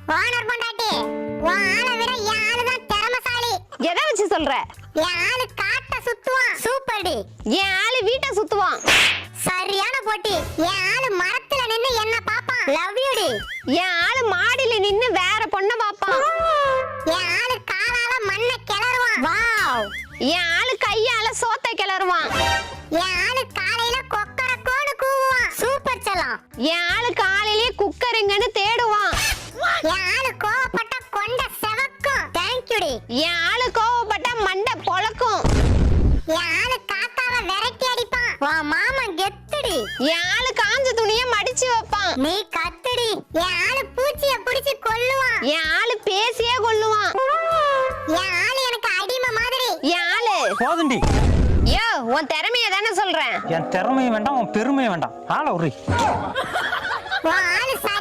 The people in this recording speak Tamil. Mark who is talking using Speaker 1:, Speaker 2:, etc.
Speaker 1: ஓனர் பொண்டாட்டி, உன் ஆளை விட என் ஆளு தான் திறமைசாலி.
Speaker 2: எதை வச்சு சொல்ற?
Speaker 1: என் ஆளு காட்ட சுத்துவான். Super D.
Speaker 2: என் ஆளு வீட்டை சுத்துவான்.
Speaker 1: சரியான போட்டி. என் ஆளு மரத்துல நின்னு என்ன பாப்பான். லவ் யூ டி.
Speaker 2: என் ஆளு மாடியில நின்னு வேற பொண்ண பாப்பான்.
Speaker 1: என் ஆளு காலால மண்ணை கிளறுவான். வாவ்.
Speaker 2: என் ஆளு கையால சோத்தை கிளறுவான்.
Speaker 1: என் ஆளு காலையில கொக்கரக்கோன்னு கூவுவான். சூப்பர் செல்லம்.
Speaker 2: என் ஆளு காலையிலே குக்கருங்கன்னு தேடுவான்.
Speaker 1: என் ஆளு கோவப்பட்ட கொண்ட செவக்கும். தேங்க் யூ டி.
Speaker 2: என் ஆளு கோவப்பட்டா மண்டை பொளக்கும்.
Speaker 1: என் ஆளு காத்தாவை விரட்டி அடிப்பான். உன் மாமன் கெத்துடி.
Speaker 2: என் ஆளு காஞ்ச துணிய மடிச்சு வைப்பான்.
Speaker 1: நீ கத்துடி. என் ஆளு பூச்சிய புடிச்சு கொல்லுவான்.
Speaker 2: என் ஆளு பேசியே கொல்லுவான்.
Speaker 1: என் ஆளு எனக்கு அடிமை மாதிரி.
Speaker 2: என் ஆளு
Speaker 3: போதுண்டி.
Speaker 2: யோ, உன் திறமைய தானே சொல்றேன்.
Speaker 3: என் திறமையும் வேண்டாம், உன் பெருமையும் வேண்டாம். ஆள உரி.
Speaker 1: உன் ஆளு